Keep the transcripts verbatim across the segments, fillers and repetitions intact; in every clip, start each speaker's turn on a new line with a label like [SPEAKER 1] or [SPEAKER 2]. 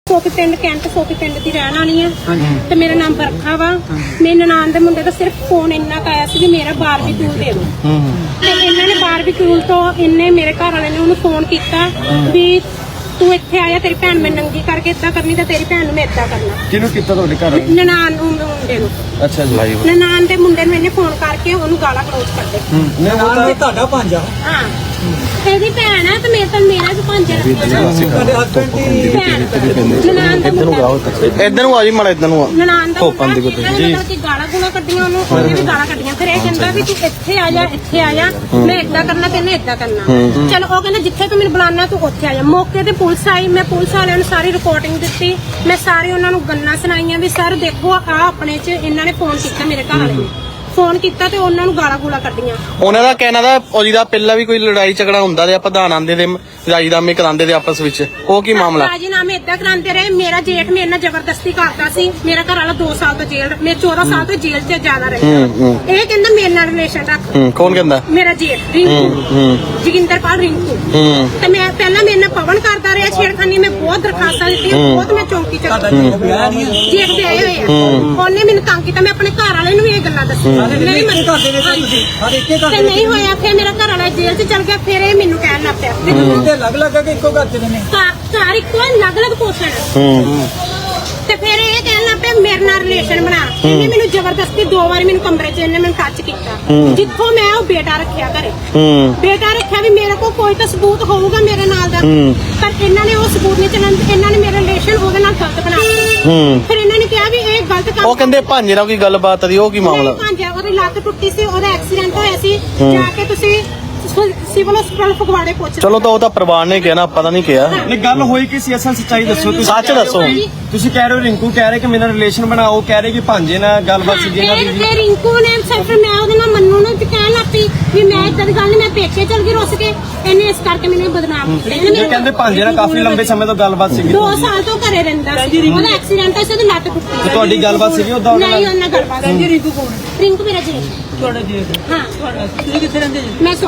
[SPEAKER 1] ਸੋਕੀ ਪਿੰਡ ਕੈਂਟ ਸੋਕੀ ਪਿੰਡ ਦੀ ਰਹਿਣ ਵਾਲੀ ਆ ਤੇ ਮੇਰਾ ਨਾਮ ਬਰਖਾ ਵਾ। ਮੇਰੇ ਨਨਾਣ ਦੇ ਮੁੰਡੇ ਦਾ ਸਿਰਫ ਫੋਨ ਇੰਨਾ ਕੁ ਆਇਆ ਸੀ ਵੀ ਮੇਰਾ ਬਾਰਬੀਕਿਊ ਦੇ ਦਿਓ ਤੇ ਇਹਨਾਂ ਨੇ ਬਾਰਬੀਕਿਊ ਤੋਂ ਇਹਨੇ ਮੇਰੇ ਘਰ ਵਾਲੇ ਨੇ ਉਹਨੂੰ ਫੋਨ ਕੀਤਾ ਵੀ ਤੂੰ ਇੱਥੇ ਆਇਆ ਤੇਰੀ ਭੈਣ ਮੈਂ ਨੰਗੀ ਕਰਕੇ ਏਦਾਂ ਕਰਨੀ ਤੇ ਤੇਰੀ ਭੈਣ ਨੂੰ ਮੈਂ ਏਦਾਂ ਕਰਨਾ।
[SPEAKER 2] ਕਿਹਨੂੰ ਕੀਤਾ ਤੁਹਾਡੇ ਘਰ?
[SPEAKER 1] ਨਨਾਣ ਨੂੰ ਮੁੰਡੇ ਨੂੰ।
[SPEAKER 2] ਅੱਛਾ ਜੀ।
[SPEAKER 1] ਨਨਾਣ ਦੇ ਮੁੰਡੇ ਨੂੰ ਇਹਨੇ ਫੋਨ ਕਰਕੇ ਉਹਨੂੰ ਗਾਲਾਂ ਕਲੋਜ਼ ਕਰਦੇ।
[SPEAKER 2] ਨਹੀਂ ਉਹ ਤਾਂ ਤੁਹਾਡਾ ਭਾਂਜਾ।
[SPEAKER 1] ਹਾਂ ਇਹਦੀ ਭੈਣ ਆ ਤੇ ਮੇਰੇ ਤਾਂ ਮੇਰਾ ਵੀ ਭਾਂਜਾ ਰੱਖਿਆ ਨਾ।
[SPEAKER 2] ਤੁਹਾਡੇ ਹਸਬੰਡ ਦੀ
[SPEAKER 1] ਭੈਣ ਨਨਾਣ ਦਾ ਮੁੰਡਾ।
[SPEAKER 3] ਇੱਧਰ ਨੂੰ ਆ ਜੀ ਮਾੜਾ ਇੱਧਰ ਨੂੰ ਆ।
[SPEAKER 1] ਨਨਾਣ ਦਾ ਮੁੰਡਾ ਜੀ ਕਿ ਗਾਲਾਂ ਗੁਲਾਂ ਕੱਢੀਆਂ ਉਹਨੂੰ ਉਹਨੇ ਵੀ ਗਾਲਾਂ ਕੱਢੀਆਂ। ਫਿਰ ਇਹ ਕਹਿੰਦਾ ਵੀ ਤੂੰ ਇੱਥੇ ਆ ਜਾ ਇੱਥੇ ਆ ਜਾ ਮੈਂ ਏਦਾਂ ਕਰਨਾ ਤੇ ਇਹਨੇ ਏਦਾਂ ਕਰਨਾ। ਚਲੋ ਉਹ ਕਹਿੰਦਾ ਜਿੱਥੇ ਤੂੰ ਮੈਨੂੰ ਬੁਲਾਉਣਾ ਤੂੰ ਉੱਥੇ ਆ ਜਾ। ਮੌਕੇ ਤੇ ਪੁਲਿਸ ਆਈ ਮੈਂ ਪੁਲਿਸ ਵਾਲਿਆਂ ਨੂੰ ਸਾਰੀ ਰਿਪੋਰਟਿੰਗ ਦਿੱਤੀ। ਮੈਂ ਸਾਰੇ ਉਹਨਾਂ ਨੂੰ ਗੱਲਾਂ ਸੁਣਾਈਆਂ ਵੀ ਸਰ ਦੇਖੋ ਆ ਆਪਣੇ ਚ ਇਹਨਾਂ ਨੇ ਫੋਨ ਕੀਤਾ ਮੇਰੇ ਘਰ ਵਾਲੇ ਨੇ ਫੋਨ ਕੀਤਾ ਤੇ ਉਹਨਾਂ ਨੂੰ ਗਾਲਾਂ ਗੂਲਾਂ ਕੱਢੀਆਂ।
[SPEAKER 3] ਉਹਨਾਂ ਦਾ ਕਹਿਣਾ ਦਾ ਉਹਦੀ ਦਾ ਪਹਿਲਾਂ ਵੀ ਕੋਈ ਲੜਾਈ ਝਗੜਾ ਹੁੰਦਾ ਤੇ ਆਪਾਂ ਪ੍ਰਧਾਨ ਆਂਦੇ ਦੇ ਰਾਜੀਨਾਮੇ ਕਰਾਉਂਦੇ ਦੇ ਆਪਸ ਵਿੱਚ ਉਹ ਕੀ ਮਾਮਲਾ?
[SPEAKER 1] ਰਾਜੀਨਾਮੇ ਏਦਾਂ ਕਰਾਉਂਦੇ ਰਹੇ। ਮੇਰਾ ਜੇਠ ਮੇਰੇ ਨਾਲ ਜ਼ਬਰਦਸਤੀ ਕਰਦਾ ਸੀ। ਮੇਰਾ ਘਰ ਵਾਲਾ ਦੋ ਸਾਲ ਤੋਂ ਜੇਲ੍ਹ ਮੈਂ ਚੌਦਾਂ ਸਾਲ ਤੋਂ ਜੇਲ੍ਹ 'ਚ ਜ਼ਿਆਦਾ ਰਹੀ। ਇਹ ਕਹਿੰਦਾ ਮੇਰੇ ਨਾਲ ਰਿਲੇਸ਼ਨ ਰੱਖ।
[SPEAKER 3] ਕੌਣ ਕਹਿੰਦਾ? ਮੇਰਾ
[SPEAKER 1] ਜੇਠ ਰਿੰਕੂ ਜੋਗਿੰਦਰਪਾਲ ਰਿੰਕੂ। ਤੇ ਮੈਂ ਪਹਿਲਾਂ ਮੇਰੇ ਨਾਲ ਪਵਨ ਕਰਦਾ ਰਿਹਾ ਛੇੜਖਾਨੀ। ਮੈਂ ਬਹੁਤ ਦਰਖਾਸਤਾਂ ਦਿੱਤੀਆਂ ਬਹੁਤ ਮੈਂ ਚੌਂਕੀ 'ਚ ਜੇਠ ਦੇ ਆਏ ਹੋਏ ਆ। ਉਹਨੇ ਮੈਨੂੰ ਤੰਗ ਕੀਤਾ। ਮੈਂ ਆਪਣੇ ਘਰ ਵਾਲੇ ਨੂੰ ਵੀ ਇਹ ਗੱਲਾਂ ਦੱਸੀਆਂ ਨਹੀਂ ਤੇ ਨਹੀਂ ਹੋਇਆ। ਫਿਰ ਮੇਰਾ ਘਰ ਵਾਲਾ ਜੇਲ੍ਹ 'ਚ ਚਲ ਗਿਆ। ਫਿਰ ਇਹ ਮੈਨੂੰ ਕਹਿਣ ਲੱਗ ਪਿਆ
[SPEAKER 2] ਅਲੱਗ ਲੱਗ ਕੇ ਇੱਕੋ ਘਰ 'ਚ ਨੇ
[SPEAKER 1] ਘਰ ਇੱਕੋ ਅਲੱਗ ਅਲੱਗ ਪੋਸ਼ਣ। ਤੇ ਫਿਰ ਇਹ ਕਹਿਣ ਲੱਗ ਪਿਆ ਮੇਰੇ ਨਾਲ ਰਿਲੇਸ਼ਨ ਬਣਾ। ਇਹਨੇ ਮੈਨੂੰ ਜ਼ਬਰਦਸਤੀ ਦੋ ਵਾਰੀ ਮੈਨੂੰ ਕਮਰੇ 'ਚ ਇਹਨੇ ਮੈਨੂੰ ਟੱਚ ਕੀਤਾ। ਜਿੱਥੋਂ ਮੈਂ ਉਹ ਬੇਟਾ ਰੱਖਿਆ ਘਰੇ ਬੇਟਾ ਰੱਖਿਆ ਵੀ ਮੇਰੇ ਕੋਲ ਕੋਈ ਤਾਂ ਸਬੂਤ ਹੋਊਗਾ ਮੇਰੇ ਨਾਲ ਦਾ। ਪਰ ਇਹਨਾਂ ਨੇ ਉਹ ਸਬੂਤ ਨਹੀਂ ਚੱਲਣ। ਇਹਨਾਂ ਨੇ ਮੇਰੇ ਰਿਲੇਸ਼ਨ ਉਹਦੇ ਨਾਲ ਗਲਤ ਬਣਾ ਦਿੱਤਾ। ਫਿਰ ਇਹਨਾਂ ਨੇ ਕਿਹਾ ਵੀ ਇਹ ਗਲਤ ਕੰਮ।
[SPEAKER 3] ਉਹ ਕਹਿੰਦੇ ਭਾਂਜੇ ਨਾਲ ਕੋਈ ਗੱਲਬਾਤ ਦੀ ਉਹ ਕੀ ਮਾਮਲਾ?
[SPEAKER 1] ਭਾਂਜਾ ਉਹਦੀ ਲੱਤ ਟੁੱਟੀ ਸੀ ਉਹਦਾ ਐਕਸੀਡੈਂਟ ਹੋਇਆ ਸੀ। ਜਾ ਕੇ ਤੁਸੀਂ ਸਿਵਲ ਹਸਪਤਾਲ ਫਗਵਾੜੇ ਪਹੁੰਚ।
[SPEAKER 3] ਚਲੋ ਤਾਂ ਉਹ ਤਾਂ ਪਰਿਵਾਰ ਨੇ ਕਿਹਾ ਨਾ ਆਪਾਂ ਤਾਂ ਨਹੀਂ ਕਿਹਾ।
[SPEAKER 2] ਨਹੀਂ ਗੱਲ ਹੋਈ ਕਿ ਸੀ ਅਸਲ ਸੱਚਾਈ ਦੱਸੋ ਤੁਸੀਂ।
[SPEAKER 3] ਸੱਚ ਦੱਸੋ।
[SPEAKER 2] ਤੁਸੀਂ ਕਹਿ ਰਹੇ ਹੋ ਰਿੰਕੂ ਕਹਿ ਰਹੇ ਕਿ ਮੇਰਾ ਰਿਲੇਸ਼ਨ ਬਣਾਓ ਕਹਿ ਰਹੇ ਕਿ ਭਾਂਜੇ ਨਾਲ ਗੱਲਬਾਤ ਸੀ ਇਹਨਾਂ ਦੀ।
[SPEAKER 1] ਤੇ ਰਿੰਕੂ ਨੇ ਸਿਰਫ ਮੈਂ ਉਹਦੇ ਨਾਲ ਮੰਨੂ ਨੂੰ ਕਹਿਣ ਲੱਗ ਪਈ ਵੀ ਮੈਂ ਇਦਾਂ ਦੀ ਗੱਲ ਨਹੀਂ ਮੈਂ ਪੇਕੇ ਚਲ ਗਈ ਰੁੱਸ ਕੇ। ਇਹਨੇ ਇਸ ਕਰਕੇ ਮੈਨੂੰ ਬਦਨਾਮ ਕੀਤਾ।
[SPEAKER 2] ਇਹ ਕਹਿੰਦੇ ਭਾਂਜੇ ਨਾਲ ਕਾਫੀ ਲੰਬੇ ਸਮੇਂ ਤੋਂ ਗੱਲਬਾਤ ਸੀਗੀ।
[SPEAKER 1] ਦੋ ਸਾਲ ਤੋਂ ਘਰੇ ਰਹਿੰਦਾ ਸੀ। ਉਹਦਾ ਐਕਸੀਡੈਂਟ ਹੋਇਆ ਸੀ ਉਹਦੀ ਲੱਤ ਟੁੱਟੀ ਸੀ।
[SPEAKER 2] ਤੁਹਾਡੀ ਗੱਲਬਾਤ ਸੀਗੀ ਉਦੋਂ?
[SPEAKER 1] ਨਹੀਂ ਉਹਨਾਂ ਗੱਲਬਾਤ ਨਹੀਂ। ਰਿੰਕੂ ਕੌਣ? ਰਿੰਕੂ ਮੇਰਾ ਜੀ ਤੁਹਾਡਾ ਜੀ। ਹਾਂ ਤੁਸੀਂ ਕਿੱਥੇ ਰਹਿੰਦੇ ਜੀ? ਮੈਂ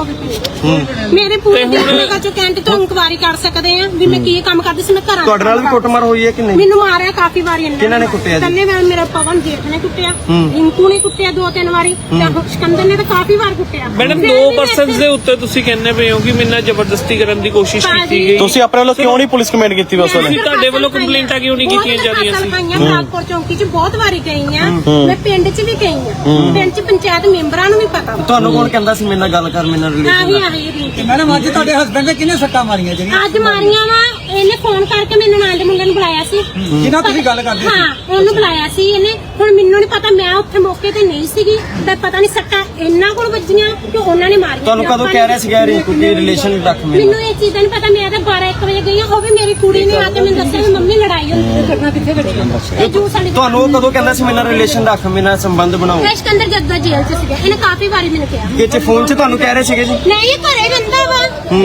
[SPEAKER 1] ਸੋਫੀ ਮੇਰੇ ਪੂਰੇ ਦਿਨ ਚੋਂ ਕੈਂਟ ਤੋਂ ਇਨਕੁਆਇਰੀ ਕਰ ਸਕਦੇ ਆ ਵੀ ਮੈਂ ਕੀ ਕੰਮ ਕਰਦੀ ਸੀ। ਮੈਂ ਘਰਾਂ
[SPEAKER 2] ਤੁਹਾਡੇ ਨਾਲ ਵੀ ਕੁੱਟਮਾਰ ਹੋਈ ਹੈ ਕਿ ਨਹੀਂ?
[SPEAKER 1] ਮੈਨੂੰ ਮਾਰਿਆ ਕਾਫੀ ਵਾਰੀ ਇਹਨਾਂ ਨੇ।
[SPEAKER 2] ਕਿਹਨਾਂ ਨੇ ਕੁੱਟਿਆ ਜੀ?
[SPEAKER 1] ਪਹਿਲੇ ਮੈਂ ਮੇਰਾ ਪਵਨ ਜੇਠ ਨੇ ਕੁੱਟਿਆ ਰਿੰਕੂ ਨੇ ਕੁੱਟਿਆ ਦੋ ਤਿੰਨ ਵਾਰੀ ਤੇ ਸਿਕੰਦਰ ਨੇ ਤਾਂ ਕਾਫੀ ਵਾਰ ਕੁੱਟਿਆ।
[SPEAKER 4] ਮੈਡਮ ਦੋ ਪਰਸਨਸ ਦੇ ਉੱਤੇ ਤੁਸੀਂ ਕਹਿੰਦੇ ਪਏ ਹੋ ਕਿ ਮੇਰੇ ਨਾਲ ਜ਼ਬਰਦਸਤੀ ਕਰਨ ਦੀ ਕੋਸ਼ਿਸ਼ ਕੀਤੀ ਗਈ।
[SPEAKER 3] ਤੁਸੀਂ ਆਪਣੇ ਵੱਲੋਂ ਕਿਉਂ ਨਹੀਂ ਪੁਲਿਸ ਕਮੇਂਟ ਕੀਤੀ ਉਸ ਵੇਲੇ?
[SPEAKER 4] ਤੁਹਾਡੇ ਵੱਲੋਂ ਕੰਪਲੇਂਟਾਂ ਕਿਉਂ ਨਹੀਂ ਕੀਤੀਆਂ ਜਾ ਰਹੀਆਂ ਸੀ?
[SPEAKER 1] ਨਾਗਪੁਰ ਚੌਂਕੀ 'ਚ ਬਹੁਤ ਵਾਰੀ ਗਈ ਆ। ਮੈਂ ਪਿੰਡ 'ਚ ਵੀ ਗਈ ਆ। ਪਿੰਡ 'ਚ ਪੰਚਾਇਤ ਮੈਂਬਰਾਂ ਨੂੰ ਵੀ ਪਤਾ।
[SPEAKER 2] ਤੁਹਾਨੂੰ ਕੌਣ ਕਹਿੰਦਾ ਸੀ ਮੇਰੇ ਨਾਲ ਗੱਲ ਕਰ ਮੇਰੇ ਨਾਲ ਰਿਲੇਸ਼ਨ?
[SPEAKER 1] ਆਹੀ ਆਹੀ ਰਿੰਕੂ।
[SPEAKER 2] ਮੈਡਮ ਅੱਜ ਤੁਹਾਡੇ ਹਸਬੰਡ ਨੇ ਕਿੰਨੇ ਸੱਟਾਂ ਮਾਰੀਆਂ ਜਿਹੜੀਆਂ?
[SPEAKER 1] ਅੱਜ ਮਾਰੀਆਂ ਵਾ ਇਹਨੇ ਫੋਨ ਕਰਕੇ ਮੈਨੂੰ ਨਾਲ ਦੇ ਮੁੰਡੇ ਨੂੰ ਬੁਲਾਇਆ ਸੀ।
[SPEAKER 2] ਕਿਹਨਾਂ ਤੁਸੀਂ ਗੱਲ ਕਰਦੇ ਸੀ?
[SPEAKER 1] ਹਾਂ ਉਹਨੂੰ ਬੁਲਾਇਆ ਸੀ ਇਹਨੇ। ਹੁਣ ਮੈਨੂੰ ਨਹੀਂ ਪਤਾ ਮੈਂ ਉੱਥੇ ਮੌਕੇ ਤੇ ਨਹੀਂ ਸੀਗੀ ਤੇ ਪਤਾ ਨਹੀਂ ਸੱਟਾਂ ਇਹਨਾਂ ਕੋਲ ਵੱਜੀਆਂ ਕਿ ਉਹਨਾਂ ਨੇ ਮਾਰੀਆਂ।
[SPEAKER 2] ਤੁਹਾਨੂੰ ਕਦੋਂ ਕਹਿ ਰਿਹਾ ਸੀਗਾ ਰਿੰਕੂ ਕਿ ਰਿਲੇਸ਼ਨ ਰੱਖ ਮੇਰੇ?
[SPEAKER 1] ਮੈਨੂੰ ਇਹ ਚੀਜ਼ਾਂ ਨਹੀਂ ਪਤਾ। ਮੈਂ ਤਾਂ ਬਾਰਾਂ ਇੱਕ ਵਜੇ ਗਈ ਆ। ਉਹ ਵੀ ਮੇਰੀ ਕੁੜੀ ਨੇ ਆ ਕੇ ਮੈਨੂੰ ਦੱਸਿਆ ਵੀ ਮੰਮੀ ਲੜਾਈ ਹੋਈ ਘਟਨਾ ਕਿੱਥੇ ਘਟੀ। ਜੂ ਸਾਡੀ
[SPEAKER 2] ਤੁਹਾਨੂੰ ਉਹ ਕਦੋਂ ਕਹਿੰਦਾ ਸੀ ਮੇਰੇ ਨਾਲ ਰਿਲੇਸ਼ਨ ਰੱਖ ਮੇਰੇ ਨਾਲ ਸੰਬੰਧ ਬਣਾਓ?
[SPEAKER 1] ਸਿਕੰਦਰ ਜੱਦਾ ਜੇਲ੍ਹ 'ਚ ਸੀਗਾ। ਇਹਨੇ ਕਾਫੀ ਵਾਰੀ ਮੈਨੂੰ ਕਿਹਾ।
[SPEAKER 2] ਇਹ ਚ ਫੋਨ 'ਚ ਤੁਹਾਨੂੰ ਕਹਿ ਰਹੇ ਸੀਗੇ ਜੀ?
[SPEAKER 1] ਨਹੀਂ ਇਹ ਘਰੇ ਰਹਿੰਦਾ ਵਾ।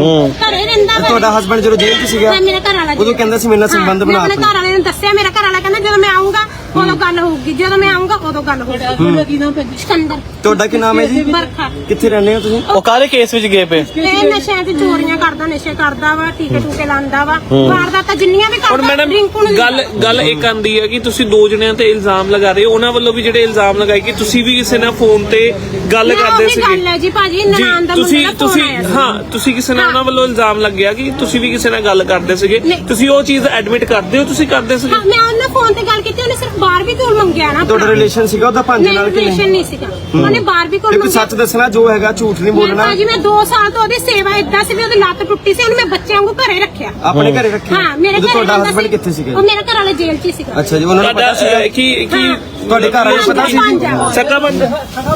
[SPEAKER 1] ਘਰੇ ਰਹਿੰਦਾ ਵਾ।
[SPEAKER 2] ਤੁਹਾਡਾ ਹਸਬੰਡ ਜਦੋਂ ਜੇਲ੍ਹ 'ਚ ਸੀਗਾ
[SPEAKER 1] ਮੇਰਾ ਘਰ ਵਾਲਾ
[SPEAKER 2] ਉਦੋਂ ਕਹਿੰਦਾ ਸੀ ਮੇਰੇ ਨਾਲ ਸੰਬੰਧ ਬਣਾ।
[SPEAKER 1] ਆਪਣੇ ਘਰ ਵਾਲੇ ਨੇ ਦੱਸਿਆ ਮੇਰਾ ਘਰ ਵਾਲਾ ਕਹਿੰਦਾ ਜਦੋਂ ਮੈਂ ਆਉਂਗਾ ਉਦੋਂ ਗੱਲ ਹੋਊਗੀ। ਜਦੋਂ ਮੈਂ ਆਉਂਗਾ ਉਦੋਂ ਗੱਲ ਹੋਊਗੀ। ਕੀ ਨਾਮ ਹੈ? ਸਿਕੰਦਰ।
[SPEAKER 2] ਤੁਹਾਡਾ ਕੀ ਨਾਮ ਹੈ ਜੀ?
[SPEAKER 1] ਬਰਖਾ।
[SPEAKER 2] ਕਿੱਥੇ ਰਹਿੰਦੇ ਹੋ ਤੁਸੀਂ?
[SPEAKER 3] ਉਹ ਕਾਹਦੇ ਕੇਸ ਵਿੱਚ ਗਏ ਪਏ?
[SPEAKER 1] ਇਹ ਨਸ਼ਿਆਂ ਤੇ ਚੋਰੀਆਂ ਕਰਦਾ ਨਸ਼ੇ ਕਰਦਾ ਵਾ ਟੀਕੇ ਟੂਕੇ ਲਾਉਂਦਾ ਵਾ ਵਾਰਦਾਤਾਂ ਜਿੰਨੀਆਂ ਵੀ
[SPEAKER 4] ਹੁਣ
[SPEAKER 1] ਕਰਦਾ।
[SPEAKER 4] ਮੈਡਮ ਗੱਲ ਗੱਲ ਇੱਕ ਆਂਦੀ ਹੈ ਕਿ ਤੁਸੀਂ ਦੋ ਜਣਿਆਂ ਤੇ ਇਲਜ਼ਾਮ ਲਗਾ ਰਹੇ ਹੋ। ਉਹਨਾਂ ਵੱਲੋਂ ਵੀ ਜਿਹੜੇ ਇਲਜ਼ਾਮ ਲਗਾਏ ਕਿ ਤੁਸੀਂ ਵੀ ਕਿਸੇ ਨਾਲ ਫੋਨ ਤੇ ਗੱਲ ਕਰਦੇ ਸੀਗੇ।
[SPEAKER 1] ਗੱਲ ਹੈ ਜੀ ਭਾਜੀ ਨਨਾਣ ਦਾ
[SPEAKER 4] ਤੁਸੀਂ
[SPEAKER 1] ਮੁੰਡਾ
[SPEAKER 4] ਤੁਸੀਂ ਹਾਂ ਤੁਸੀਂ ਕਿਸੇ ਨਾਲ ਉਹਨਾਂ ਵੱਲੋਂ ਇਲਜ਼ਾਮ ਲੱਗਿਆ ਕਿ ਤੁਸੀਂ ਵੀ ਕਿਸੇ ਨਾਲ ਗੱਲ ਕਰਦੇ ਸੀਗੇ। ਤੁਸੀਂ ਉਹ ਚੀਜ਼ ਐਡਮਿਟ ਕਰਦੇ ਹੋ ਤੁਸੀਂ ਕਰਦੇ ਸੀਗੇ?
[SPEAKER 1] ਮੈਂ ਉਹਨਾਂ ਫੋਨ ਤੇ ਗੱਲ ਕੀਤੀ। ਉਹਨੇ ਸਿਰਫ ਬਾਰਬੀਕਿਊ ਮੰਗਿਆ ਨਾ।
[SPEAKER 2] ਤੁਹਾਡਾ ਰਿਲੇਸ਼ਨ ਸੀਗਾ ਉਹਦਾ ਭਾਂਜੇ ਨਾਲ ਕਿ
[SPEAKER 1] ਰਿਲੇਸ਼ਨ ਨਹੀਂ ਸੀਗਾ। ਉਹਨੇ ਬਾਰਬੀਕਿਊ
[SPEAKER 2] ਕੋਈ
[SPEAKER 1] ਮੰਗਿਆ।
[SPEAKER 2] ਸੱਚ ਦੱਸਣਾ ਜੋ ਹੈਗਾ ਝੂਠ ਨਹੀਂ ਬੋਲਣਾ।
[SPEAKER 1] ਭਾਜੀ ਮੈਂ ਦੋ ਸਾਲ ਤੋਂ ਉਹਦੀ ਸੇਵਾ ਏਦਾਂ ਸੀ ਵੀ ਉਹਦੀ ਲੱਤ ਟੁੱਟੀ ਸੀ। ਉਹਨੂੰ ਮੈਂ ਬੱਚਿਆਂ ਵਾਂਗੂ ਘਰੇ ਰੱਖਿਆ।
[SPEAKER 2] ਆਪਣੇ ਘਰੇ ਰੱਖਿਆ?
[SPEAKER 1] ਹਾਂ ਮੇਰੇ ਘਰੇ।
[SPEAKER 2] ਤੁਹਾਡਾ ਹਸਬੰਡ ਕਿੱਥੇ ਸੀਗਾ?
[SPEAKER 1] ਉਹ ਮੇਰਾ ਘਰ ਵਾਲਾ ਜੇਲ੍ਹ 'ਚ ਹੀ ਸੀਗਾ।
[SPEAKER 2] ਅੱਛਾ ਜੀ। ਉਹਨਾਂ ਨੂੰ ਪਤਾ ਸੀਗਾ
[SPEAKER 4] ਕਿ ਕੀ
[SPEAKER 2] ਤੁਹਾਡੇ ਘਰ ਵਾਲੇ ਪਤਾ ਸੀ?
[SPEAKER 4] ਸੱਕਾ ਬੰਦ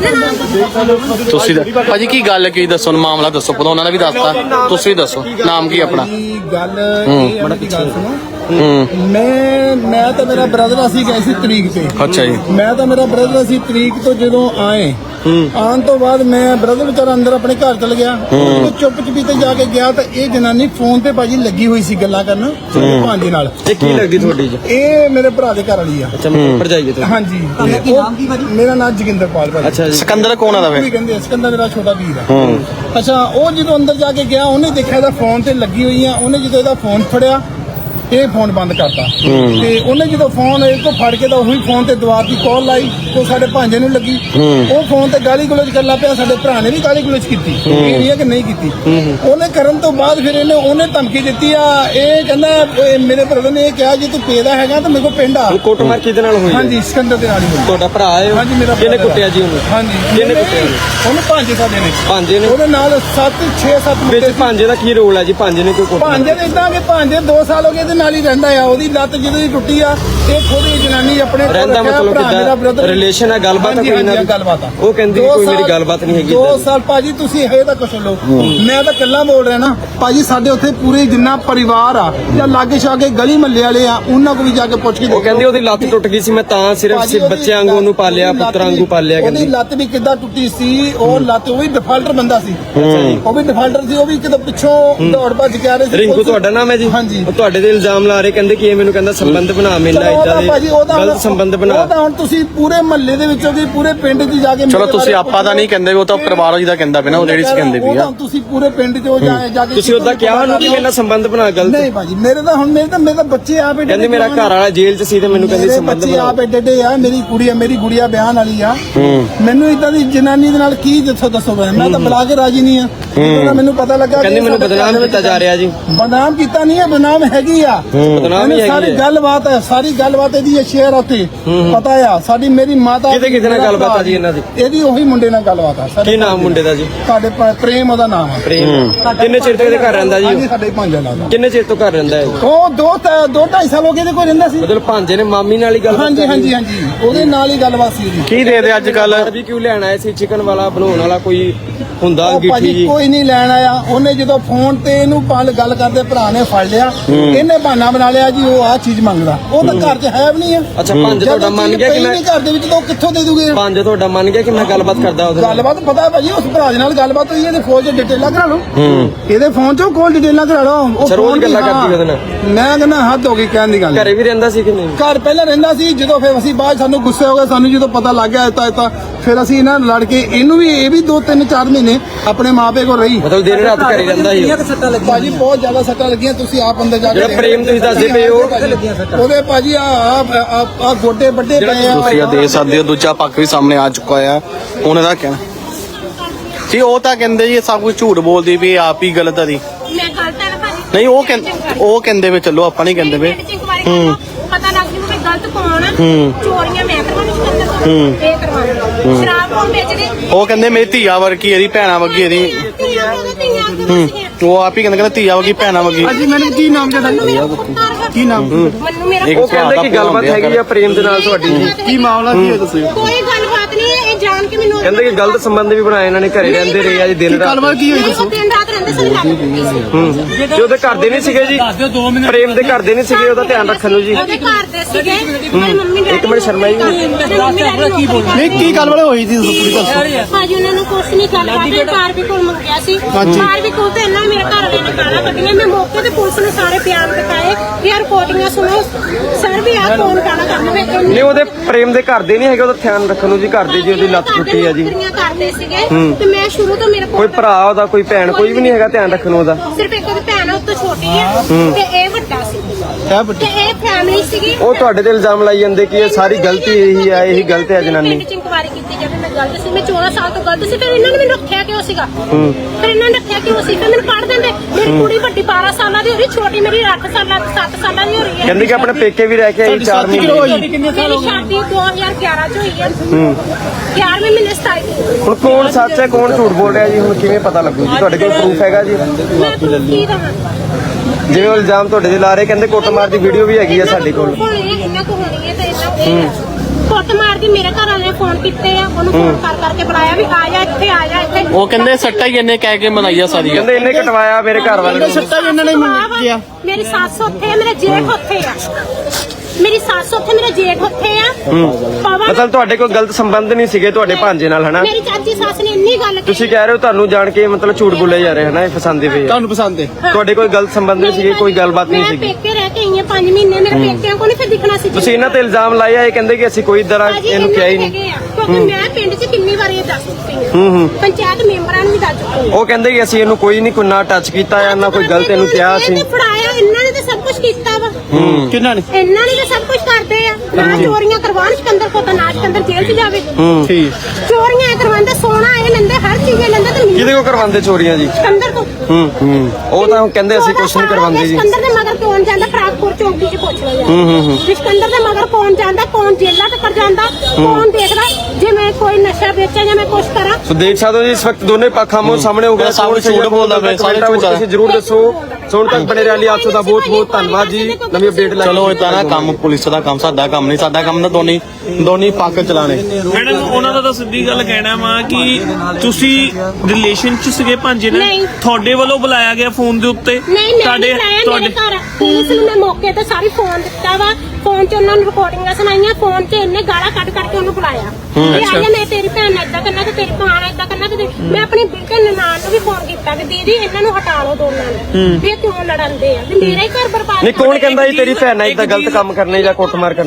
[SPEAKER 3] ਤੁਸੀਂ ਭਾਜੀ ਕੀ ਗੱਲ ਕੀ ਦੱਸੋ ਮਾਮਲਾ ਦੱਸੋ। ਪਤਾ ਉਹਨਾਂ ਨੇ ਵੀ ਦੱਸਤਾ ਤੁਸੀਂ ਦੱਸੋ ਨਾਮ ਕੀ ਆਪਣਾ?
[SPEAKER 5] ਗੱਲ ਇਹ ਬੜਾ ਗੱਲ ਸੁਣੋ। ਮੈਂ ਮੈਂ ਤਾਂ ਮੇਰਾ ਬ੍ਰਦਰ ਅਸੀਂ ਗਏ ਸੀ ਤਰੀਕ ਤੇ।
[SPEAKER 3] ਅੱਛਾ ਜੀ।
[SPEAKER 5] ਮੈਂ ਤਾਂ ਮੇਰਾ ਬ੍ਰਦਰ ਅਸੀਂ ਤਰੀਕ ਤੋਂ ਜਦੋਂ ਆਏ ਆਉਣ ਤੋਂ ਬਾਅਦ ਮੈਂ ਬ੍ਰਦਰ ਵਿਚਾਰਾ ਅੰਦਰ ਆਪਣੇ ਘਰ ਚਲ ਗਿਆ। ਉਹ ਚੁੱਪ ਚਪੀਤੇ ਜਾ ਕੇ ਗਿਆ ਤਾਂ ਇਹ ਜਨਾਨੀ ਫੋਨ ਤੇ ਭਾਜੀ ਲੱਗੀ ਹੋਈ ਸੀ ਗੱਲਾਂ ਕਰਨ ਭਾਂਜੇ ਨਾਲ।
[SPEAKER 2] ਇਹ ਕੀ ਲੱਗਦੀ ਤੁਹਾਡੀ ਜੀ?
[SPEAKER 5] ਇਹ ਮੇਰੇ ਭਰਾ ਦੇ ਘਰ ਵਾਲੀ ਆ।
[SPEAKER 2] ਅੱਛਾ ਭਰਜਾਈ ਤੇ?
[SPEAKER 5] ਹਾਂਜੀ। ਮੇਰਾ ਨਾਮ ਜੋਗਿੰਦਰਪਾਲ ਭਾਜੀ।
[SPEAKER 2] ਅੱਛਾ ਜੀ।
[SPEAKER 3] ਸਿਕੰਦਰ ਕੌਣ ਆਦਾ ਵੇ?
[SPEAKER 5] ਕਹਿੰਦੇ ਸਿਕੰਦਰ ਮੇਰਾ ਛੋਟਾ ਵੀਰ ਆ। ਅੱਛਾ ਉਹ ਜਦੋਂ ਅੰਦਰ ਜਾ ਕੇ ਗਿਆ ਉਹਨੇ ਦੇਖਿਆ ਇਹਦਾ ਫੋਨ ਤੇ ਲੱਗੀ ਹੋਈ ਆ। ਉਹਨੇ ਜਦੋਂ ਇਹਦਾ ਫੋਨ ਫੜਿਆ ਇਹ ਫੋਨ ਬੰਦ ਕਰਤਾ ਤੇ ਉਹਨੇ ਜਦੋਂ ਫੋਨ ਇਹ ਤੋਂ ਫੜ ਕੇ ਤਾਂ ਉਹੀ ਫੋਨ ਤੇ ਦੁਆਰ ਦੀ ਕਾਲ ਲਾਈ ਤੇ ਸਾਡੇ ਭਾਂਜੇ ਨੂੰ ਲੱਗੀ ਉਹ ਫੋਨ ਤੇ ਗਾਲੀ ਗਲੋਚ ਕਰਨਾ ਪਿਆ ਸਾਡੇ ਭਰਾ ਨੇ ਵੀ ਗਾਲੀ ਗਲੋਚ ਕੀਤੀ ਇਹ ਨਹੀਂ ਹੈ ਕਿ ਨਹੀਂ ਕੀਤੀ ਉਹਨੇ ਕਰਨ ਤੋਂ ਬਾਅਦ ਫਿਰ ਇਹਨੇ ਉਹਨੇ ਧਮਕੀ ਦਿੱਤੀ ਆ ਇਹ ਕਹਿੰਦਾ ਇਹ ਮੇਰੇ ਭਰਾ ਨੇ ਇਹ ਕਿਹਾ ਜੇ ਤੂੰ ਪੇਦਾ ਹੈਗਾ ਤਾਂ ਮੇਰੇ ਕੋਲ ਪਿੰਡ ਆ
[SPEAKER 2] ਕੁੱਟਮਾਰ ਕਿਹਦੇ ਨਾਲ ਹੋਈ ਹੈ?
[SPEAKER 5] ਹਾਂਜੀ ਸਿਕੰਦਰ ਦੇ ਨਾਲ ਹੀ ਹੋਈ।
[SPEAKER 2] ਤੁਹਾਡਾ ਭਰਾ ਹੈ ਉਹ?
[SPEAKER 5] ਹਾਂਜੀ ਮੇਰਾ
[SPEAKER 2] ਕਿਹਨੇ
[SPEAKER 5] ਭਰਾ
[SPEAKER 2] ਕੁੱਟਿਆ ਜੀ ਉਹਨੂੰ?
[SPEAKER 5] ਹਾਂਜੀ
[SPEAKER 2] ਕਿਹਨੇ ਕੁੱਟਿਆ ਉਹਨੂੰ?
[SPEAKER 5] ਉਹਨੂੰ ਭਾਂਜੇ ਸਾਡੇ ਨੇ
[SPEAKER 2] ਭਾਂਜੇ ਨੇ?
[SPEAKER 5] ਉਹਦੇ ਨਾਲ ਸੱਤ ਛੇ ਸੱਤ ਮੁੰਡੇ
[SPEAKER 2] ਵਿੱਚ ਭਾਂਜੇ ਦਾ ਕੀ ਰੋਲ ਹੈ ਜੀ? ਭਾਂਜੇ ਨੇ ਕੋਈ ਕੁੱਟਮਾਰ?
[SPEAKER 5] ਭਾਂਜੇ ਨੇ ਇਦਾਂ ਕਿ ਭਾਂਜੇ ਦੋ ਸਾਲ ਹੋ ਗਏ ਇਹਦੇ ਨਾਲ ਹੀ ਰਹਿੰਦਾ ਆ ਉਹਦੀ ਲੱਤ ਜਦੋਂ ਦੀ ਟੁੱਟੀ ਆ ਇਹ ਖੁਦ ਹੀ ਜਨਾਨੀ ਆਪਣੇ ਕੋਲ
[SPEAKER 2] ਰਹਿੰਦਾ
[SPEAKER 5] ਰੱਖਿਆ,
[SPEAKER 2] ਮਤਲਬ
[SPEAKER 5] ਭਰਾ ਮੇਰਾ
[SPEAKER 2] ਕਿੱਦਾਂ?
[SPEAKER 5] brother-
[SPEAKER 2] ਰਿਲੇਸ਼ਨ ਹੈ, ਗੱਲਬਾਤ ਹੈ
[SPEAKER 5] ਹਾਂਜੀ,
[SPEAKER 2] ਕੋਈ ਨਾ
[SPEAKER 5] ਹਾਂਜੀ,
[SPEAKER 2] ਵੀ?
[SPEAKER 5] ਗੱਲਬਾਤ ਆ।
[SPEAKER 2] ਉਹ ਕਹਿੰਦੀ
[SPEAKER 5] ਦੋ
[SPEAKER 2] ਕੋਈ ਮੇਰੀ
[SPEAKER 5] ਸਾਲ-
[SPEAKER 2] ਗੱਲਬਾਤ ਨਹੀਂ ਹੈਗੀ
[SPEAKER 5] ਦੋ
[SPEAKER 2] ਇੱਦਾਂ ਦੀ।
[SPEAKER 5] ਸਾਲ ਭਾਜੀ ਤੁਸੀਂ ਇਹ ਤਾਂ ਕੁਛ ਲੋ ਮੈਂ ਤਾਂ ਕੱਲਾ ਬੋਲ ਰਿਹਾ ਨਾ ਭਾਜੀ ਸਾਡੇ ਉੱਥੇ ਪੂਰੇ ਜਿੰਨਾ ਪਰਿਵਾਰ ਆ ਜਾਂ ਲਾਗੇ ਛਾਗੇ ਗਲੀ ਮੱਲੇ ਵਾਲੇ ਆ ਉਹਨਾਂ ਕੋਲ ਵੀ ਜਾ ਕੇ ਪੁੱਛ ਕੇ
[SPEAKER 2] ਉਹ
[SPEAKER 5] ਦੇਖੋ।
[SPEAKER 2] ਕਹਿੰਦੀ ਉਹਦੀ ਲੱਤ ਟੁੱਟ ਗਈ ਸੀ, ਮੈਂ ਤਾਂ ਸਿਰਫ
[SPEAKER 5] ਭਾਜੀ
[SPEAKER 2] ਸਿਰਫ
[SPEAKER 5] ਉਹਦੀ
[SPEAKER 2] ਬੱਚਿਆਂ ਵਾਂਗੂ ਉਹਨੂੰ ਪਾਲਿਆ,
[SPEAKER 5] ਉਹਦੀ
[SPEAKER 2] ਪੁੱਤਰਾਂ
[SPEAKER 5] ਲੱਤ
[SPEAKER 2] ਵਾਂਗੂ ਪਾਲਿਆ
[SPEAKER 5] ਉਹਦੀ
[SPEAKER 2] ਕਹਿੰਦੀ।
[SPEAKER 5] ਲੱਤ ਵੀ ਕਿੱਦਾਂ ਟੁੱਟੀ ਸੀ ਉਹ ਲੱਤ ਉਹ ਵੀ ਡਿਫਾਲਟਰ ਬੰਦਾ ਸੀ ਉਹ ਵੀ ਡਿਫਾਲਟਰ ਸੀ ਉਹ ਵੀ ਕਿਤੇ ਪਿੱਛੋਂ ਦੌੜ ਭੱਜ ਕੇ ਆ ਰਹੇ ਸੀ
[SPEAKER 2] ਰਿੰਕੂ ਤੁਹਾਡਾ ਨਾਮ ਹੈ ਜੀ?
[SPEAKER 5] ਹਾਂਜੀ।
[SPEAKER 2] ਉਹ ਤੁਹਾਡੇ ਤੇ ਇਲਜ਼ਾਮ ਲਾ ਰਹੇ ਕਹਿੰਦੇ ਕਿ ਇਹ ਮੈਨੂੰ ਕਹਿੰਦਾ ਸੰਬੰਧ ਬਣਾ ਮੇਲਾ
[SPEAKER 5] ਚਲੋ
[SPEAKER 2] ਇਦਾਂ
[SPEAKER 5] ਉਹਦਾ ਭਾਜੀ
[SPEAKER 2] ਦੇ
[SPEAKER 5] ਉਹਦਾ
[SPEAKER 2] ਗਲਤ ਸੰਬੰਧ ਬਣਾ।
[SPEAKER 5] ਉਹਦਾ ਹੁਣ ਤੁਸੀਂ ਪੂਰੇ ਮਹੱਲੇ ਦੇ ਵਿੱਚੋਂ ਵੀ ਪੂਰੇ ਪਿੰਡ 'ਚ ਜਾ ਕੇ
[SPEAKER 3] ਚਲੋ
[SPEAKER 5] ਮੇਰੇ
[SPEAKER 3] ਤੁਸੀਂ
[SPEAKER 5] ਬਾਰੇ
[SPEAKER 3] ਆਪਾਂ ਤਾਂ ਨਹੀਂ ਕਹਿੰਦੇ ਵੀ ਉਹ ਤਾਂ ਪਰਿਵਾਰ ਜੀ ਦਾ ਕਹਿੰਦਾ ਪਿਆ ਨਾ ਉਹ ਲੇਡੀਜ਼ ਕਹਿੰਦੇ ਵੀ
[SPEAKER 5] ਉਹਦਾ
[SPEAKER 3] ਆ
[SPEAKER 5] ਤੁਸੀਂ ਪੂਰੇ ਪਿੰਡ 'ਚ ਉਹ ਜਾ ਜਾ ਕੇ
[SPEAKER 2] ਤੁਸੀਂ ਉਹਦਾ ਕਿਹਾ ਉਹਨੂੰ ਕਿ ਮੇਰੇ ਨਾਲ ਸੰਬੰਧ ਬਣਾ ਗਲਤ?
[SPEAKER 5] ਨਹੀਂ ਭਾਜੀ ਮੇਰੇ ਤਾਂ ਹੁਣ ਮੇਰੇ ਤਾਂ ਮੇਰੇ ਤਾਂ ਬੱਚੇ ਆਪ ਏਡੇ
[SPEAKER 2] ਕਹਿੰਦੀ ਮੇਰਾ ਘਰ ਵਾਲਾ ਜੇਲ੍ਹ 'ਚ ਸੀ ਤੇ ਮੈਨੂੰ ਕਹਿੰਦੀ
[SPEAKER 5] ਮੇਰੇ
[SPEAKER 2] ਸੰਬੰਧ
[SPEAKER 5] ਬੱਚੇ
[SPEAKER 2] ਬਣਾ।
[SPEAKER 5] ਆਪ ਏਡੇ ਏਡੇ ਆ ਮੇਰੀ ਕੁੜੀ ਆ ਮੇਰੀ ਗੁੜੀਆ ਬਿਆਨ ਵਾਲੀ ਆ ਮੈਨੂੰ ਇਦਾਂ ਦੀ ਜਨਾਨੀ ਦੇ ਨਾਲ ਕੀ ਦੱਸੋ ਦੱਸੋ ਮੈਂ ਮੈਂ ਤਾਂ ਬੁਲਾ ਕੇ ਰਾਜੀ ਨਹੀਂ ਆ ਜਦੋਂ ਮੈਨੂੰ ਪਤਾ ਲੱਗਾ
[SPEAKER 2] ਕਹਿੰਦੀ
[SPEAKER 5] ਕਿ
[SPEAKER 2] ਮੈਨੂੰ
[SPEAKER 5] ਸਾਡੇ
[SPEAKER 2] ਬਦਨਾਮ
[SPEAKER 5] ਘਰ ਦੇ
[SPEAKER 2] ਕੀਤਾ ਜਾ ਰਿਹਾ ਜੀ।
[SPEAKER 5] ਬਦਨਾਮ ਕੀਤਾ ਨਹੀਂ ਹੈ ਬਦਨਾਮ ਹੈਗੀ ਆ
[SPEAKER 2] ਬਦਨਾਮ ਹੀ
[SPEAKER 5] ਇਹਨੂੰ ਸਾਰੀ
[SPEAKER 2] ਹੈਗੀ ਹੈ।
[SPEAKER 5] ਗੱਲਬਾਤ ਹੈ ਸਾਰੀ ਗੱਲਬਾਤ ਇਹਦੀ ਸ਼ੇਅਰ ਉੱਥੇ ਪਤਾ ਆ ਸਾਡੀ ਮੇਰੀ ਮਾਤਾ
[SPEAKER 2] ਕਿਹਦੇ ਕਿਹਦੇ ਨਾਲ ਗੱਲਬਾਤ ਆ ਜੀ ਇਹਨਾਂ ਦੀ?
[SPEAKER 5] ਇਹਦੀ ਉਹੀ ਮੁੰਡੇ ਨਾਲ ਗੱਲਬਾਤ ਆ ਸਾਡੇ
[SPEAKER 2] ਕੀ ਨਾਮ ਮੁੰਡੇ ਦਾ ਜੀ?
[SPEAKER 5] ਸਾਡੇ ਪ- ਪ੍ਰੇਮ ਉਹਦਾ ਨਾਮ ਆ
[SPEAKER 2] ਪ੍ਰੇਮ। ਕਿੰਨੇ ਚਿਰ ਤੋਂ ਇਹਦੇ ਘਰ ਰਹਿੰਦਾ ਜੀ
[SPEAKER 5] ਹਾਂਜੀ
[SPEAKER 2] ਉਹ?
[SPEAKER 5] ਸਾਡੇ ਭਾਂਜਾ ਨਾਲ ਦਾ।
[SPEAKER 2] ਕਿੰਨੇ ਚਿਰ ਤੋਂ ਘਰ ਰਹਿੰਦਾ ਹੈ?
[SPEAKER 5] ਉਹ ਦੋ ਤ- ਦੋ ਢਾਈ ਸਾਲ ਹੋ ਗਏ ਇਹਦੇ ਕੋਲ ਰਹਿੰਦਾ ਸੀ
[SPEAKER 2] ਮਤਲਬ ਭਾਂਜੇ ਨੇ ਮਾਮੀ ਨਾਲ ਹੀ ਗੱਲ
[SPEAKER 5] ਹਾਂਜੀ ਹਾਂਜੀ ਹਾਂਜੀ ਉਹਦੇ ਨਾਲ ਹੀ ਗੱਲਬਾਤ ਸੀ ਉਹਦੀ
[SPEAKER 3] ਕੀ ਦੇ ਦੇ ਅੱਜ ਕੱਲ
[SPEAKER 2] ਵੀ ਕਿਉਂ ਲੈਣ ਆਏ ਸੀ? ਚਿਕਨ ਵਾਲਾ ਬਣਾਉਣ ਵਾਲਾ ਕੋਈ ਹੁੰਦਾ
[SPEAKER 5] ਉਹ
[SPEAKER 2] ਅੰਗੀਠੀ
[SPEAKER 5] ਭਾਜੀ
[SPEAKER 2] ਜੀ?
[SPEAKER 5] ਕੋਈ ਨਹੀਂ ਲੈਣ ਆਇਆ ਉਹਨੇ ਜਦੋਂ ਫੋਨ ਤੇ ਇਹਨੂੰ ਪਾਲ ਗੱਲ ਕਰਦੇ ਭਰਾ ਨੇ ਫੜ ਲਿਆ ਇਹਨੇ ਬਹਾਨਾ ਬਣਾ ਲਿਆ ਜੀ ਉਹ ਆਹ ਚੀਜ਼ ਮੰਗਦਾ ਉਹ ਤਾਂ ਘਰ 'ਚ ਹੈ ਵੀ ਨਹੀਂ ਆ
[SPEAKER 2] ਅੱਛਾ ਪੰਜ ਤੁਹਾਡਾ ਮੰਨ ਗਿਆ ਕਿ ਮੈਂ
[SPEAKER 5] ਨਹੀਂ ਘਰ ਦੇ ਵਿੱਚ ਤਾਂ ਉਹ ਕਿੱਥੋਂ ਦੇ ਦੂਗੇ
[SPEAKER 2] ਪੰਜ ਤੁਹਾਡਾ ਮੰਨ ਗਿਆ ਕਿ ਮੈਂ ਗੱਲਬਾਤ ਕਰਦਾ ਉਹਦੇ ਨਾਲ?
[SPEAKER 5] ਗੱਲਬਾਤ ਪਤਾ ਹੈ ਭਾਜੀ ਉਸ ਭਰਾ ਦੇ ਨਾਲ ਗੱਲਬਾਤ ਹੋਈ ਇਹਦੇ ਫੋਨ 'ਚ ਡਿਟੇਲਾਂ ਕਰਾ ਲਓ ਇਹਦੇ ਫੋਨ 'ਚੋਂ ਕੋਲ ਡਿਟੇਲਾਂ ਕਰਾ ਲਓ ਉਹ
[SPEAKER 2] ਅੱਛਾ, ਰੋਜ਼
[SPEAKER 5] phone ਦੀ-
[SPEAKER 2] ਗੱਲਾਂ ਕਰਦੀ ਉਹਦੇ ਨਾਲ?
[SPEAKER 5] ਮੈਂ ਕਹਿੰਦਾ ਹੱਦ ਹੋ ਗਈ ਕਹਿਣ ਦੀ ਗੱਲ
[SPEAKER 2] ਘਰੇ ਵੀ ਰਹਿੰਦਾ ਸੀ ਕਿ ਨਹੀਂ?
[SPEAKER 5] ਘਰ ਪਹਿਲਾਂ ਰਹਿੰਦਾ ਸੀ ਜਦੋਂ ਫਿਰ ਅਸੀਂ ਬਾਅਦ 'ਚ ਸਾਨੂੰ ਗੁੱਸੇ ਹੋ ਗਏ ਸਾਨੂੰ ਜਦੋਂ ਪਤਾ ਲੱਗ ਗਿਆ ਤਾਂ ਤਾਂ ਫਿਰ ਅਸੀਂ ਇਹਨਾਂ ਨਾਲ ਲੜ ਕੇ ਇਹਨੂੰ ਵੀ ਇਹ ਵੀ ਦੋ ਤਿੰਨ ਚਾਰ ਮਹੀਨੇ ਆਪਣੇ ਮਾਪੇ ਕੋਲ ਰਹੀ
[SPEAKER 2] ਮਤਲਬ ਦਿਨ ਰਾਤ ਘਰੇ ਰਹਿੰਦਾ ਸੀ ਉਹ?
[SPEAKER 5] ਭਾਜੀ ਬਹੁਤ ਜ਼ਿਆਦਾ ਸੱਟਾਂ ਲੱਗੀਆਂ ਤੁਸੀਂ ਆਪ ਅੰਦਰ ਜਾ ਕੇ
[SPEAKER 2] ਜਿਹੜਾ
[SPEAKER 5] ਦੇਖ
[SPEAKER 2] ਪ੍ਰੇਮ ਤੁਸੀਂ ਦੱਸਦੇ ਪਏ ਹੋ?
[SPEAKER 5] ਉਹਦੇ ਭਾਜੀ ਆ ਆ ਗੋਡੇ ਵੱਡੇ ਪਏ ਆ
[SPEAKER 3] ਤੁਸੀਂ ਇਹ ਦੇ ਸਕਦੇ ਹੋ ਦੂਜਾ ਪੱਖ ਵੀ ਸਾਹਮਣੇ ਆ ਚੁੱਕਾ ਆ ਉਹਨਾਂ ਦਾ ਕਹਿਣਾ ਜੀ ਉਹ ਤਾਂ ਕਹਿੰਦੇ ਜੀ ਇਹ ਸਭ ਕੁਝ ਝੂਠ ਬੋਲਦੀ ਵੀ ਇਹ ਆਪ ਹੀ ਗਲਤ ਆ ਦੀ
[SPEAKER 1] ਮੈਂ ਗਲਤ ਹੈ ਨਾ ਭਾਜੀ
[SPEAKER 3] ਨਹੀਂ ਉਹ ਕਹਿੰਦੇ ਉਹ ਕਹਿੰਦੇ ਵੀ ਚਲੋ ਆਪਾਂ ਨਹੀਂ ਕਹਿੰਦੇ ਵੀ
[SPEAKER 1] ਹੂੰ ਪਤਾ ਲੱਗ ਜੂ ਕਿ ਗਲਤ ਕੌਣ ਆ ਚੋਰੀਆਂ ਮੈਂ ਕਰਵਾਉਣੀ ਸਿਕੰਦਰ ਇਹ ਕਰਵਾਉਣੀ ਸ਼ਰਾਬ ਕੌਣ ਵੇਚਦੇ
[SPEAKER 3] ਉਹ ਕਹਿੰਦੇ ਮੇਰੀ ਧੀਆ ਵਰਗੀ ਇਹਦੀ ਭੈਣਾ ਵਰਗੀ ਇਹਦੀ
[SPEAKER 1] ਧੀਆਂ ਉਹਦੇ ਧੀਆਂ ਕਿਉਂ
[SPEAKER 3] ਉਹ ਆਪ ਹੀ ਕਹਿੰਦੇ ਕਹਿੰਦੇ ਧੀਆ ਵਰਗੀ ਭੈਣਾ ਵਰਗੀ
[SPEAKER 5] ਭਾਜੀ ਮੈਨੂੰ ਕੀ ਨਾਮ ਦਾ
[SPEAKER 1] ਕੀ ਨਾਮ ਮੈਨੂੰ ਮੇਰਾ
[SPEAKER 3] ਇੱਕ
[SPEAKER 2] ਉਹ ਕਹਿੰਦੇ ਕਿ ਗੱਲਬਾਤ ਹੈਗੀ ਆ ਪ੍ਰੇਮ ਦੇ ਨਾਲ ਤੁਹਾਡੀ?
[SPEAKER 1] ਕੀ ਮਾਮਲਾ ਕੀ ਹੈ ਦੱਸੋ ਕੋਈ ਗੱਲਬਾਤ ਨਹੀਂ ਹੈ ਇਹ ਜਾਣ ਕੇ ਮੈਨੂੰ
[SPEAKER 2] ਕਹਿੰਦੇ ਕਿ ਗਲਤ ਸੰਬੰਧ ਵੀ ਬਣਾਏ ਇਹਨਾਂ ਨੇ, ਘਰੇ ਰਹਿੰਦੇ ਰਹੇ ਆ ਜੀ ਦਿਨ ਰਾਤ।
[SPEAKER 5] ਕੀ ਹੋਈ
[SPEAKER 1] ਦੱਸੋ ਦਿਨ ਰਾਤ ਰਹਿੰਦੇ ਸੀ ਲੱਗ ਪਈ ਸੀ
[SPEAKER 2] ਤੇ ਉਹਦੇ ਘਰ ਦੇ ਨਹੀਂ ਸੀਗੇ ਜੀ? ਪ੍ਰੇਮ ਦੇ ਘਰ ਦੇ ਨਹੀਂ ਸੀਗੇ ਉਹਦਾ ਧਿਆਨ ਰੱਖਣ ਨੂੰ ਜੀ?
[SPEAKER 1] ਉਹਦੇ ਘਰ ਦੇ ਸੀਗੇ ਮੇਰੀ ਮੰਮੀ ਡੈਡੀ
[SPEAKER 2] ਇੱਕ ਮਿੰਟ ਸ਼ਰਮਾ ਜੀ।
[SPEAKER 1] ਨਹੀਂ
[SPEAKER 5] ਨਹੀਂ ਕੀ ਗੱਲ ਵਾਲੇ ਹੋਈ ਸੀ ਪੂਰੀ ਦੱਸੋ
[SPEAKER 1] ਭਾਜੀ ਉਹਨਾਂ ਨੂੰ ਕੁਛ ਨਹੀਂ ਕਰ ਪਾਏ ਕਾਰ ਵੀ ਕੋਲ ਮੰਗਿਆ ਸੀ ਕਾਰ ਵੀ ਕੋਲ ਤੇ ਇਹਨਾਂ ਮੇਰੇ ਘਰ ਵਾਲੇ ਨੇ ਗਾਲਾਂ ਕੱਢੀਆਂ ਮੈਂ ਮੌਕੇ ਤੇ ਪੁਲਿਸ ਨੂੰ ਸਾਰੇ ਬਿਆਨ ਦਿਖਾਏ ਕਿ ਯਾਰ ਰਿਪੋਰਟਿੰਗਾਂ ਸੁਣੋ ਸਰ ਵੀ ਆ ਕੌਣ ਗਾਲਾਂ ਕੱਢਦੇ
[SPEAKER 2] ਨਹੀਂ ਉਹਦੇ ਪ੍ਰੇਮ ਦੇ ਘਰ ਦੇ ਨਹੀਂ ਹੈਗੇ ਉਹਦਾ ਧਿਆਨ ਰੱਖਣ ਨੂੰ ਜੀ? ਘਰ ਦੇ ਜੀ ਉਹਦੀ ਲੱਤ ਟੁੱਟੀ ਆ ਜੀ।
[SPEAKER 1] ਨੌਕਰੀਆਂ ਕਰਦੇ ਸੀਗੇ ਤੇ ਮੈਂ ਸ਼ੁਰੂ ਤੋਂ ਮੇਰੇ
[SPEAKER 2] ਕੋਈ
[SPEAKER 1] ਕੋਲ
[SPEAKER 2] ਭਰਾ ਉਹਦਾ ਕੋਈ ਭੈਣ ਕੋਈ ਵੀ ਨਹੀਂ ਹੈਗਾ ਧਿਆਨ ਰੱਖਣ ਨੂੰ ਉਹਦਾ?
[SPEAKER 1] ਸਿਰਫ ਇੱਕ ਉਹਦੀ ਭੈਣ ਆ ਉਹ ਤੋਂ ਛੋਟੀ ਆ ਤੇ ਇਹ ਵੱਡਾ ਸੀ ਤੇ ਇਹ ਫੈਮਿਲੀ ਸੀਗੀ
[SPEAKER 2] ਉਹ ਤੁਹਾਡੇ ਤੇ ਇਲਜ਼ਾਮ ਲਾਈ ਜਾਂਦੇ ਕਿ ਇਹ ਸਾਰੀ ਗਲਤੀ ਇਹੀ ਆ, ਇਹੀ ਗਲਤ ਹੈ ਜਨਾਨੀ।
[SPEAKER 1] ਪਿੰਡ ਚ ਇਨਕੁਆਇਰੀ ਕੀਤੀ ਜਾਵੇ ਮੈਂ ਗਲਤ ਸੀ ਮੈਂ ਚੌਦਾਂ ਸਾਲ ਤੋਂ ਗਲਤ ਸੀ ਫਿਰ ਇਹਨਾਂ ਨੇ ਮੈਨੂੰ ਰੱਖਿਆ ਕਿਉਂ ਸੀਗਾ ਫਿਰ ਇਹਨਾਂ ਨੇ ਰੱਖਿਆ ਕਿਉਂ ਸੀ ਫਿਰ ਮੈਨੂੰ ਪੜ੍ਹ ਦਿੰਦੇ ਮੇਰੀ ਕੁੜੀ ਵੱਡੀ ਬਾਰਾਂ ਸਾਲਾਂ ਦੀ ਹੋ ਰਹੀ ਛੋਟੀ ਮੇਰੀ ਅੱਠ ਸਾਲਾਂ ਸੱਤ ਸਾਲਾਂ ਦੀ ਹੋ ਰਹੀ ਹੈ
[SPEAKER 2] ਕਹਿੰਦੀ ਕਿ ਆਪਣੇ ਪੇਕੇ ਵੀ ਰਹਿ ਕੇ ਆਈ ਚਾਰ ਮਹੀਨੇ।
[SPEAKER 1] ਮੇਰੀ ਸ਼ਾਦੀ ਦੋ ਹਜ਼ਾਰ ਗਿਆਰਾਂ ਚ ਹੋਈ ਹੈ ਗਿਆਰਵੇਂ ਮਹੀਨੇ ਸਤਾਈ
[SPEAKER 2] ਹੁਣ ਕੌਣ ਸੱਚ ਹੈ ਕੌਣ ਝੂਠ ਬੋਲ ਰਿਹਾ ਜੀ? ਹੁਣ ਕਿਵੇਂ ਪਤਾ ਲੱਗੂ ਜੀ? ਤੁਹਾਡੇ ਕੋਲ ਪ੍ਰੂਫ ਹੈਗਾ ਜੀ?
[SPEAKER 1] ਮੈਂ ਤੁਹਾਨੂੰ ਕੀ ਦਵਾਂ
[SPEAKER 2] ਜਿਵੇਂ ਉਹ ਇਲਜ਼ਾਮ ਤੁਹਾਡੇ ਤੇ ਲਾ ਰਹੇ ਕਹਿੰਦੇ ਕੁੱਟਮਾਰ ਦੀ ਵੀਡੀਓ ਵੀ ਹੈਗੀ ਆ ਸਾਡੇ ਕੋਲ।
[SPEAKER 1] ਹੁਣ ਇਹ ਇਹਨਾਂ ਕੋ ਹੋਣੀ ਹੈ ਤੇ ਇਹਨਾਂ ਇਹ ਕੁੱਟ ਮਾਰਦੀ ਮੇਰੇ ਘਰ ਵਾਲੇ ਨੇ ਫੋਨ ਕੀਤੇ ਆ ਉਹਨੂੰ ਫੋਨ ਕਰ ਕਰਕੇ ਬੁਲਾਇਆ ਵੀ ਆ ਜਾ ਇੱਥੇ ਆ ਜਾ ਇੱਥੇ
[SPEAKER 3] ਉਹ ਕਹਿੰਦੇ ਸੱਟਾ ਹੀ ਇਹਨੇ ਕਹਿ ਕੇ ਮਨਾਈਆ ਸਾਰੀਆਂ
[SPEAKER 2] ਕਹਿੰਦੇ ਇਹਨੇ ਕਟਵਾਇਆ ਮੇਰੇ ਘਰ ਵਾਲੇ ਨੂੰ।
[SPEAKER 5] ਸੱਟਾ ਵੀ ਇਹਨਾਂ ਨੇ ਮੰਗਿਆ
[SPEAKER 1] ਮੇਰੀ ਸੱਸ ਉੱਥੇ ਆ ਮੇਰੇ ਜੇਠ ਉੱਥੇ ਆ ਮੇਰੀ ਸੱਸ ਉੱਥੇ ਮੇਰੇ ਜੇਠ ਉੱਥੇ ਆ ਪਵਨ
[SPEAKER 2] ਮਤਲਬ ਤੁਹਾਡੇ ਕੋਲ ਗਲਤ ਸੰਬੰਧ ਨਹੀਂ ਸੀਗੇ ਤੁਹਾਡੇ ਭਾਂਜੇ ਨਾਲ ਹਨਾ?
[SPEAKER 1] ਮੇਰੀ ਚਾਚੀ ਸੱਸ ਨੇ ਇੰਨੀ ਗੱਲ
[SPEAKER 2] ਤੁਸੀਂ ਕਹਿ ਰਹੇ ਹੋ ਤੁਹਾਨੂੰ ਜਾਣ ਕੇ ਮਤਲਬ ਝੂਠ ਬੋਲੇ ਜਾ ਰਹੇ ਹਨਾ, ਇਹ ਫਸਾਉਂਦੇ ਪਏ ਆ।
[SPEAKER 5] ਤੁਹਾਨੂੰ ਪਸੰਦ ਹੈ
[SPEAKER 2] ਤੁਹਾਡੇ ਕੋਈ ਗਲਤ ਸੰਬੰਧ ਨਹੀਂ ਸੀਗੇ, ਕੋਈ ਗੱਲਬਾਤ ਨਹੀਂ
[SPEAKER 1] ਮੈਂ
[SPEAKER 2] ਸੀਗੀ?
[SPEAKER 1] ਪੇਕੇ ਰਹਿ ਕੇ ਆਈ ਆ ਪੰਜ ਮਹੀਨੇ ਮੇਰੇ ਪੇਕਿਆਂ ਕੋਲ ਨਹੀਂ ਫਿਰ ਦਿਖਣਾ ਸੀ
[SPEAKER 2] ਤੁਸੀਂ ਇਹਨਾਂ ਤੇ ਇਲਜ਼ਾਮ ਲਾਇਆ ਇਹ ਕਹਿੰਦੇ ਕਿ ਅਸੀਂ ਕੋਈ ਤਰ੍ਹਾਂ
[SPEAKER 1] ਭਾਜੀ,
[SPEAKER 2] ਇਹਨੂੰ ਕਿਹਾ ਹੀ ਨਹੀਂ।
[SPEAKER 1] ਹੈਗੇ ਆ, ਕਿਉਂਕਿ ਮੈਂ ਪਿੰਡ 'ਚ ਕਿੰਨੀ ਵਾਰੀ ਇਹ ਦੱਸ ਚੁੱਕੀ ਹਾਂ ਪੰਚਾਇਤ ਮੈਂਬਰਾਂ ਨੂੰ ਵੀ ਦੱਸ ਚੁੱਕੀ ਹਾਂ
[SPEAKER 2] ਉਹ ਕਹਿੰਦੇ ਕਿ ਅਸੀਂ ਇਹਨੂੰ ਕੋਈ ਨਹੀਂ ਕੋਈ ਨਾ ਟੱਚ ਕੀਤਾ ਜਾਂ ਨਾ ਕੋਈ ਗਲਤ ਇਹਨੂੰ ਕਿਹਾ
[SPEAKER 1] ਇਹ
[SPEAKER 2] ਸੀ।
[SPEAKER 1] ਤੇ ਫੜਾਇਆ ਇਹਨਾਂ ਨੇ ਤੇ ਸਭ ਕੁਝ ਕੁਝ ਕੀਤਾ ਵਾ
[SPEAKER 5] ਕਿੰਨਾ ਨੇ
[SPEAKER 1] ਇਹਨਾਂ ਨੇ ਤਾਂ ਸਭ ਕੁਝ ਕਰਦੇ ਆ ਨਾ ਚੋਰੀਆਂ ਕਰਵਾਉਣ ਸਿਕੰਦਰ ਕੋ ਤਾਂ ਨਾ ਸਿਕੰਦਰ ਜੇਲ੍ਹ 'ਚ ਜਾਵੇ
[SPEAKER 5] ਠੀਕ
[SPEAKER 1] ਚੋਰੀਆਂ ਇਹ ਕਰਵਾਉਂਦੇ ਸੋਨਾ ਇਹ ਲੈਂਦੇ ਹਰ ਚੀਜ਼ ਇਹ ਲੈਂਦੇ ਤੇ ਮੈਨੂੰ
[SPEAKER 2] ਕਿਹਦੇ ਕੋ ਕਰਵਾਉਂਦੇ ਚੋਰੀਆਂ ਜੀ
[SPEAKER 1] ਸਿਕੰਦਰ ਕੋ
[SPEAKER 2] ਹੂੰ ਹੂੰ ਉਹ ਤਾਂ ਕਹਿੰਦੇ ਅਸੀਂ ਕੁਝ ਨਹੀਂ ਕਰਵਾਉਂਦੇ ਜੀ
[SPEAKER 1] ਸਿਕੰਦਰ ਦੇ ਮਗਰ ਕੌਣ ਜਾਂਦਾ ਫਰਾਕਪੁਰ ਚੌਂਕੀ 'ਚ ਪੁੱਛ ਲਓ ਯਾਰ ਸਿਕੰਦਰ ਦੇ ਮਗਰ ਕੌਣ ਜਾਂਦਾ ਕੌਣ ਜੇਲ੍ਹਾਂ ਤੱਕ ਜਾਂਦਾ ਕੌਣ ਦੇਖਦਾ ਜੇ ਮੈਂ ਕੋਈ ਨਸ਼ਾ ਵੇਚਾਂ ਜਾਂ ਮੈਂ ਕੁਝ ਕਰਾਂ
[SPEAKER 2] ਸੋ ਦੇਖ ਸਕਦੇ ਹੋ ਜੀ ਇਸ ਵਕਤ ਦੋਨੇ ਪੱਖਾਂ ਮੋ ਸਾਹਮਣੇ ਹੋ ਗਏ
[SPEAKER 3] ਸਭ ਕੁਝ ਝੂਠ ਬੋਲਦਾ ਪਿਆ, ਸਾਰੇ ਝੂਠ ਆ।
[SPEAKER 2] ਤੁਸੀਂ ਜ਼ਰੂਰ ਦੱਸੋ ਸੁਣ ਤੱਕ ਬਣੇ ਰਹਿ ਲਈ ਆਪ ਦਾ ਬਹੁਤ ਬਹੁਤ ਧੰਨਵਾਦ ਜੀ ਨਵੀਂ ਅਪਡੇਟ ਲੈ
[SPEAKER 3] ਚਲੋ ਇਹ ਤਾਂ ਨਾ ਕੰਮ ਪੁਲਿਸ ਦਾ ਕੰਮ ਸਾਡਾ ਕੰਮ ਨਹੀਂ ਸਾਡਾ ਕੰਮ ਤਾਂ ਦੋਨੀ ਦੋਨੀ ਪੱਕ ਚਲਾਣੇ
[SPEAKER 4] ਮੈਡਮ ਉਹਨਾਂ ਦਾ ਤਾਂ ਸਿੱਧੀ ਗੱਲ ਕਹਿਣਾ ਵਾ ਕਿ ਤੁਸੀਂ ਰਿਲੇਸ਼ਨ ਚ ਸੀਗੇ ਭਾਂਜੇ ਨਾਲ
[SPEAKER 1] ਨਹੀਂ।
[SPEAKER 4] ਤੁਹਾਡੇ ਵੱਲੋਂ ਬੁਲਾਇਆ ਗਿਆ ਫੋਨ ਦੇ ਉੱਤੇ
[SPEAKER 1] ਨਹੀਂ ਮੈਂ ਨਹੀਂ ਬੁਲਾਇਆ ਮੇਰੇ ਘਰ ਪੁਲਿਸ ਨੂੰ ਮੈਂ ਮੌਕੇ ਤੇ ਸਾਰੀ ਫੋਨ ਦਿੱਤਾ ਵਾ ਫੋਨ 'ਚ ਉਹਨਾਂ ਨੂੰ ਰਿਕਾਰਡਿੰਗਾਂ ਸੁਣਾਈਆਂ ਫੋਨ 'ਚ ਇਹਨੇ ਗਾਲਾਂ ਕੱਢ ਕੱਢ ਕੇ ਉਹਨੂੰ ਬੁਲਾਇਆ ਤੇ ਆਇਆ ਮੈਂ ਤੇਰੀ ਭੈਣ ਨਾਲ ਏਦਾਂ ਕਰਨਾ ਤੇ ਤੇਰੀ ਭੈਣ ਨਾਲ ਏਦਾਂ ਕਰਨਾ ਤੇ ਮੈਂ ਆਪਣੀ ਬਿਲਕੁਲ ਨਨਾਣ ਨੂੰ ਵੀ ਫੋਨ ਕੀਤਾ ਕਿ ਦੀਦੀ ਇਹਨਾਂ ਨੂੰ ਹਟਾ ਲਓ ਦੋਨਾਂ ਨੂੰ ਵੀ ਇਹ ਕਿਉਂ ਲੜਨਦੇ ਆ ਵੀ ਮੇਰਾ ਹੀ ਘਰ ਬਰਬਾਦ
[SPEAKER 2] ਨਹੀਂ ਕੌਣ ਕਹਿੰਦਾ ਜੀ ਤੇਰੀ ਭੈਣ ਨਾਲ ਇਦਾਂ ਗਲਤ ਕੰਮ ਕਰਨੇ ਜਾਂ ਕੁੱਟਮਾਰ ਕਰਨੇ